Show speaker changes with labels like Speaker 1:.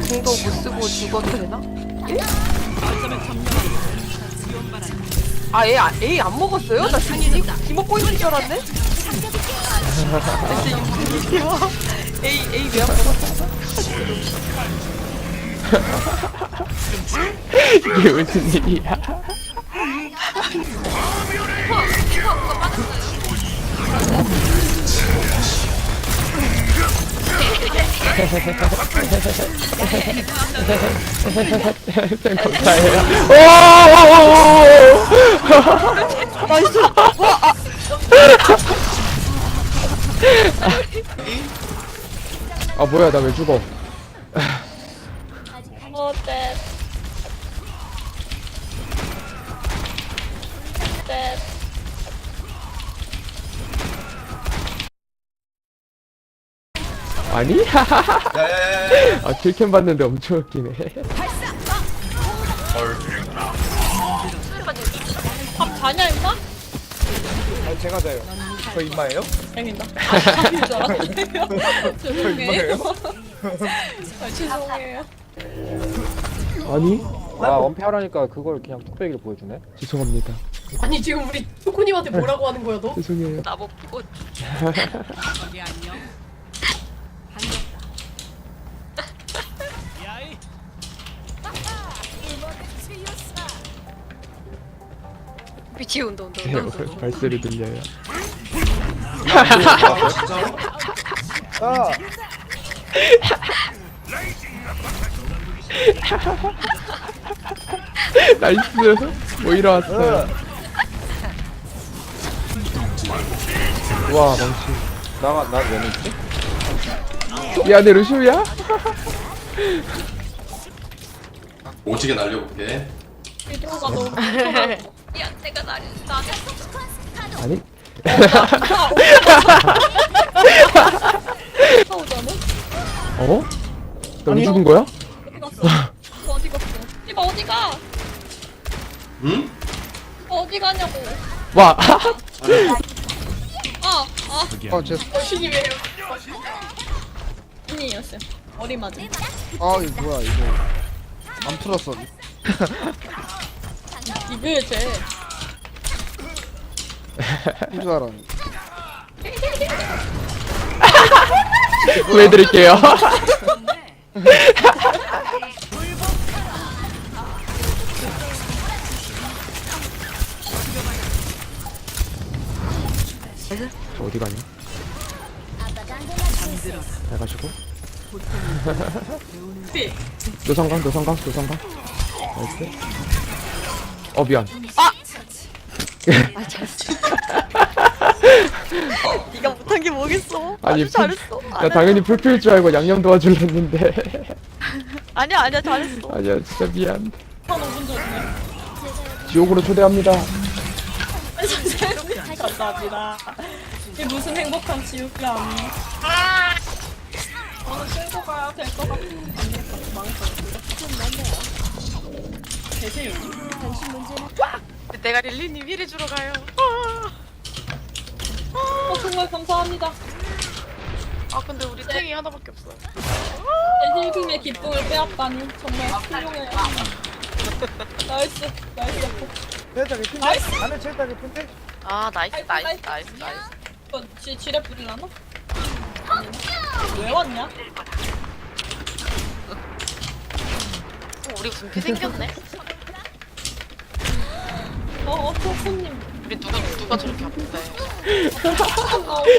Speaker 1: 공도 못 쓰고 죽어도 되나? 예? 아, A 안 먹었어요? 나 지금 기 먹고 있는 줄 알았네? 진짜 A 왜 안 먹었어?
Speaker 2: 이게 무슨 일이야? 쌤 감사해요.
Speaker 1: 나이스! 와!
Speaker 2: 아 뭐야 나 왜 죽어?
Speaker 3: 어때?
Speaker 2: 아니?
Speaker 4: 야야야야.
Speaker 2: 아 킬캠 봤는데 엄청 웃기네.
Speaker 3: 밥 자냐 임마?
Speaker 4: 아 제가 자요. 저 임마예요?
Speaker 3: 아닙니다. 밥인 줄 알았네요.
Speaker 4: 저
Speaker 3: 죄송해요.
Speaker 4: 임마예요?
Speaker 3: 아, 죄송해요.
Speaker 2: 아니?
Speaker 5: 와 원패하라니까 그걸 그냥 뚝배기를 보여주네.
Speaker 2: 죄송합니다.
Speaker 6: 아니 지금 우리 초코님한테 뭐라고 하는 거야 너?
Speaker 2: 죄송해요.
Speaker 1: 나먹고 미치 운동.
Speaker 2: 발소리 들려요.
Speaker 4: 아
Speaker 2: 나이스. 뭐 일어났어요. 와 망치.
Speaker 5: 나왜 넣지?
Speaker 2: 미안해 루시우야?
Speaker 7: 오지게 날려볼게.
Speaker 3: 비도가 너무
Speaker 1: 야, 내가 나를
Speaker 2: 아니?
Speaker 3: 싸우잖아?
Speaker 2: 어? 너 왜 죽은 거야?
Speaker 3: 어디 갔어? 어디 갔어? 이봐 어디가?
Speaker 7: 응?
Speaker 3: 어디 가냐고?
Speaker 2: 와.
Speaker 4: 제
Speaker 6: 신님이에요.
Speaker 3: 언니였어요. 머리 맞음.
Speaker 4: 아 이거 뭐야 이거 안 풀었어.
Speaker 3: 이게 쟤.
Speaker 4: 풀줄 알았는데.
Speaker 2: 구해드릴게요. 저 어디 가냐? 잘 가시고. 노성강. 나이스. 미안.
Speaker 1: 네가 못한 게 뭐겠어?
Speaker 2: 아니,
Speaker 1: 아주 잘했어.
Speaker 2: 나 당연히 풀필 줄 알고 양념 도와주려 했는데.
Speaker 1: 아니야 잘했어.
Speaker 2: 아니야, 진짜 미안.
Speaker 3: 한 5분 전이네.
Speaker 2: 지옥으로 초대합니다.
Speaker 3: 감사합니다. 이게 무슨 행복한 지옥이야. 저는 끌고 가야 될 것 같은 계세요?
Speaker 1: 내가 릴리님 위를 주러 가요.
Speaker 3: 정말 감사합니다.
Speaker 1: 아 근데 우리 탱이 하나밖에 없어.
Speaker 3: 힐금의 기쁨을 빼앗다니 정말 훌륭해요. 나이스.
Speaker 4: 체육장 예쁜데?
Speaker 3: 나이스.
Speaker 4: 안에 체육장 예쁜데?
Speaker 1: 아 나이스.
Speaker 3: 이거 지뢰 뿌리려나? 왜 왔냐?
Speaker 1: 우리 분피 생겼네.
Speaker 3: 초코님.
Speaker 1: 우리 누가 저렇게 아픈데?